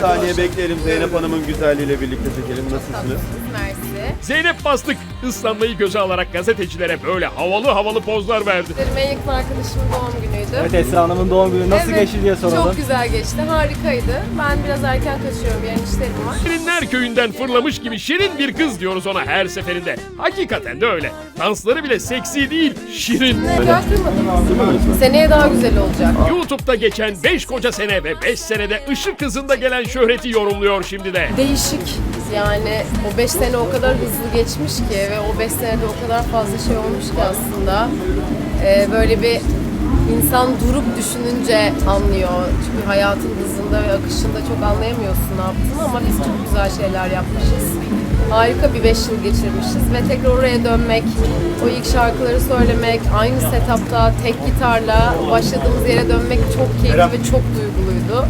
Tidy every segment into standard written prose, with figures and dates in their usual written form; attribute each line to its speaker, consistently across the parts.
Speaker 1: saniye bekleyelim. Zeynep Hanım'ın güzelliğiyle birlikte çekelim. Nasılsınız?
Speaker 2: Mersi.
Speaker 3: Zeynep Bastık ıslanmayı göze alarak gazetecilere böyle havalı pozlar verdi.
Speaker 2: Benim en yakın arkadaşımın doğum günüydü.
Speaker 4: Evet, Esra Hanım'ın doğum günü nasıl geçti diye soralım.
Speaker 2: Çok güzel geçti. Harikaydı. Ben biraz erken kaçıyorum. Yarın işlerim var.
Speaker 3: Şirinler köyünden fırlamış gibi şirin bir kız diyoruz ona her seferinde. Hakikaten de öyle. Dansları bile seksi değil, şirin.
Speaker 2: Daha kırmadım. Seneye daha güzel olacak.
Speaker 3: YouTube'da geçen 5 koca sene ve 5 senede ışık hızında gelen şöhreti yorumluyor şimdi de.
Speaker 2: Değişik. Yani o 5 sene o kadar hızlı geçmiş ki ve o 5 senede o kadar fazla şey olmuş ki aslında. Böyle bir insan durup düşününce anlıyor. Çünkü hayatın hızında ve akışında çok anlayamıyorsun ne yaptığını ama biz çok güzel şeyler yapmışız. Harika bir 5 yıl geçirmişiz ve tekrar oraya dönmek, o ilk şarkıları söylemek, aynı setupta tek gitarla başladığımız yere dönmek çok keyifli ve çok duyguluydu.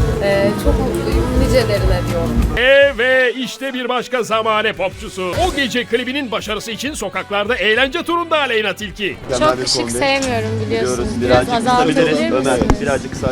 Speaker 2: Çok mutluyum, nicelerine diyorum.
Speaker 3: Ve işte bir başka zamane popçusu. O gece klibinin başarısı için sokaklarda eğlence turunda Aleyna Tilki.
Speaker 5: Çok ışık sevmiyorum biliyorsunuz.
Speaker 1: Birazcık
Speaker 5: azaltabilir
Speaker 1: kısabiliriz. Ömer,
Speaker 5: misiniz?
Speaker 1: birazcık kısa.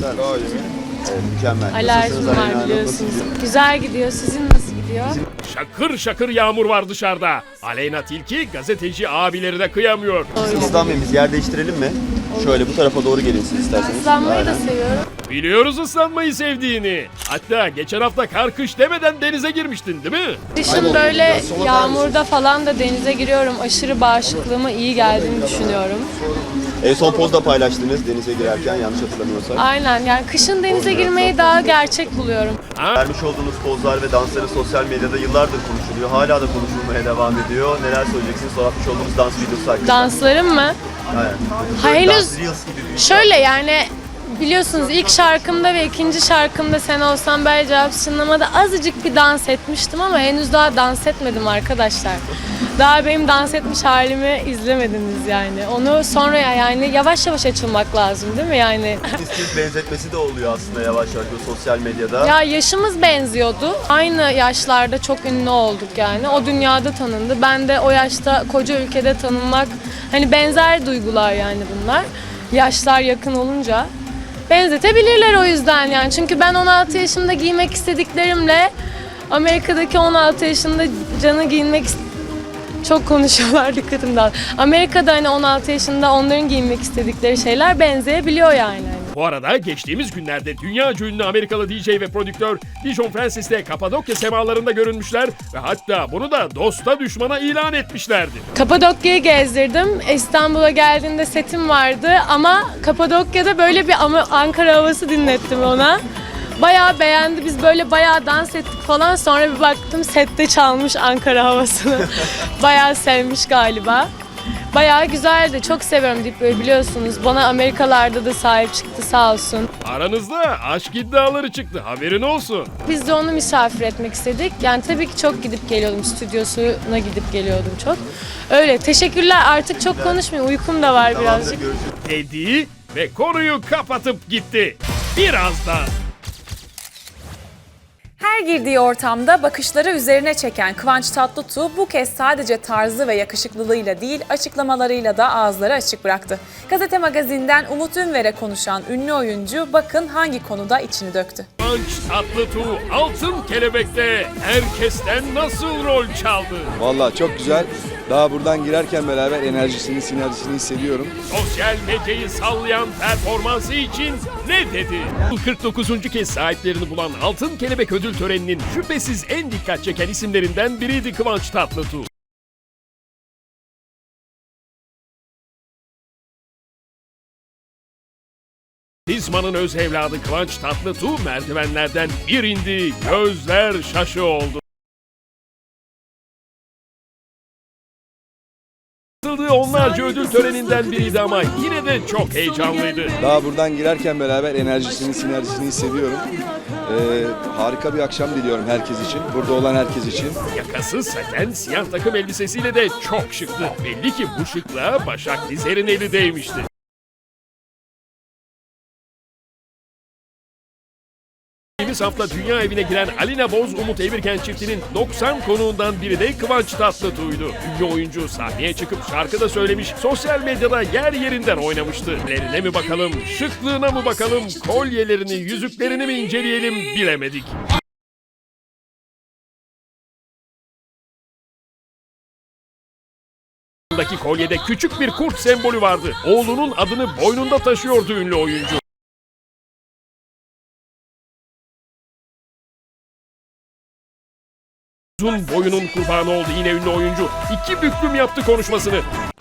Speaker 1: Evet, mükemmel.
Speaker 5: Alerjim
Speaker 1: Nasılsınız Aleyna
Speaker 5: var
Speaker 1: Hanım?
Speaker 5: biliyorsunuz.
Speaker 1: Nasılsınız?
Speaker 5: Güzel gidiyor. Sizin nasıl gidiyor?
Speaker 3: Şakır şakır yağmur var dışarıda. Aleyna Tilki gazeteci abileri de kıyamıyor.
Speaker 1: Islanmayın, biz yer değiştirelim mi? Şöyle bu tarafa doğru gelin siz isterseniz.
Speaker 5: Islanmayı da
Speaker 1: Aynen.
Speaker 5: seviyorum.
Speaker 3: Biliyoruz ıslanmayı sevdiğini. Hatta geçen hafta kar kış demeden denize girmiştin değil mi?
Speaker 5: Kışın böyle yağmurda falan da denize giriyorum. Aşırı bağışıklığıma iyi geldiğini düşünüyorum.
Speaker 1: En son pozda paylaştınız denize girerken yanlış hatırlamıyorsam.
Speaker 5: Aynen, yani kışın denize girmeyi daha gerçek buluyorum.
Speaker 1: Vermiş olduğunuz pozlar ve dansları sosyal medyada yıllardır konuşuluyor. Hala da konuşulmaya devam ediyor. Neler söyleyeceksiniz? Sonra atmış olduğunuz dans videosu hakkında.
Speaker 5: Danslarım mı?
Speaker 1: Aynen.
Speaker 5: Ha, henüz
Speaker 1: Dans Reels gibi bir
Speaker 5: şöyle yani biliyorsunuz ilk şarkımda ve ikinci şarkımda Sen Olsan Bel Cevap Çınlama'da azıcık bir dans etmiştim ama henüz daha dans etmedim arkadaşlar. Daha benim dans etmiş halimi izlemediniz yani. Onu sonra yani yavaş yavaş açılmak lazım değil mi yani?
Speaker 1: Siz benzetmesi de oluyor aslında yavaş yavaş bu sosyal medyada.
Speaker 5: Ya yaşımız benziyordu. Aynı yaşlarda çok ünlü olduk yani. O dünyada tanındı. Ben de o yaşta koca ülkede tanınmak hani benzer duygular yani bunlar. Yaşlar yakın olunca benzetebilirler o yüzden yani. Çünkü ben 16 yaşında giymek istediklerimle Amerika'daki 16 yaşında Can'ı giyinmek çok konuşuyorlar dikkatim dağıldı. Amerika'da hani 16 yaşında onların giyinmek istedikleri şeyler benzeyebiliyor yani.
Speaker 3: Bu arada geçtiğimiz günlerde dünyaca ünlü Amerikalı DJ ve prodüktör Dijon Francis'te Kapadokya semalarında görünmüşler ve hatta bunu da dosta düşmana ilan etmişlerdi.
Speaker 5: Kapadokya'yı gezdirdim. İstanbul'a geldiğinde setim vardı ama Kapadokya'da böyle bir Ankara havası dinlettim ona. Bayağı beğendi. Biz böyle bayağı dans ettik falan. Sonra bir baktım sette çalmış Ankara havasını. Bayağı sevmiş galiba. Bayağı güzeldi. Çok seviyorum deyip böyle biliyorsunuz. Bana Amerikalarda da sahip çıktı sağ olsun.
Speaker 3: Aranızda aşk iddiaları çıktı, haberin olsun.
Speaker 5: Biz de onu misafir etmek istedik. Yani tabii ki çok gidip geliyordum. Stüdyosuna gidip geliyordum çok. Öyle. Teşekkürler. Artık çok konuşmayayım. Uykum da var birazcık.
Speaker 3: Dedi ve konuyu kapatıp gitti. Birazdan.
Speaker 6: Her girdiği ortamda bakışları üzerine çeken Kıvanç Tatlıtuğ bu kez sadece tarzı ve yakışıklılığıyla değil açıklamalarıyla da ağızları açık bıraktı. Gazete Magazin'den Umut Ünver'e konuşan ünlü oyuncu bakın hangi konuda içini döktü.
Speaker 3: Kıvanç Tatlıtuğ Altın Kelebek'te herkesten nasıl rol çaldı?
Speaker 7: Vallahi çok güzel. Daha buradan girerken beraber enerjisini, sinerjisini hissediyorum.
Speaker 3: Sosyal medyayı sallayan performansı için ne dedi? 49. kez sahiplerini bulan Altın Kelebek ödül töreninin şüphesiz en dikkat çeken isimlerinden biriydi Kıvanç Tatlıtuğ. Dizman'ın öz evladı Kıvanç Tatlıtuğ merdivenlerden bir indi, gözler şaşı oldu. Katıldığı onlarca ödül töreninden biriydi ama yine de çok heyecanlıydı.
Speaker 7: Daha buradan girerken beraber enerjisini, sinerjisini hissediyorum. Harika bir akşam diliyorum herkes için. Burada olan herkes için.
Speaker 3: Yakası saten siyah takım elbisesiyle de çok şıktı. Belli ki bu şıklığa Başak Dizer'in eli değmişti. Geçtiğimiz hafta dünya evine giren Alina Boz, Umut Evirken çiftinin 90 konuğundan biri de Kıvanç Tatlıtuğ'ydu. Ünlü oyuncu sahneye çıkıp şarkı da söylemiş, sosyal medyada yer yerinden oynamıştı. Lerine mi bakalım, şıklığına mı bakalım, kolyelerini, yüzüklerini mi inceleyelim bilemedik. Daki kolyede küçük bir kurt sembolü vardı. Oğlunun adını boynunda taşıyordu ünlü oyuncu. Uzun boyunun kurbanı oldu yine ünlü oyuncu. 2 büklüm yaptı konuşmasını.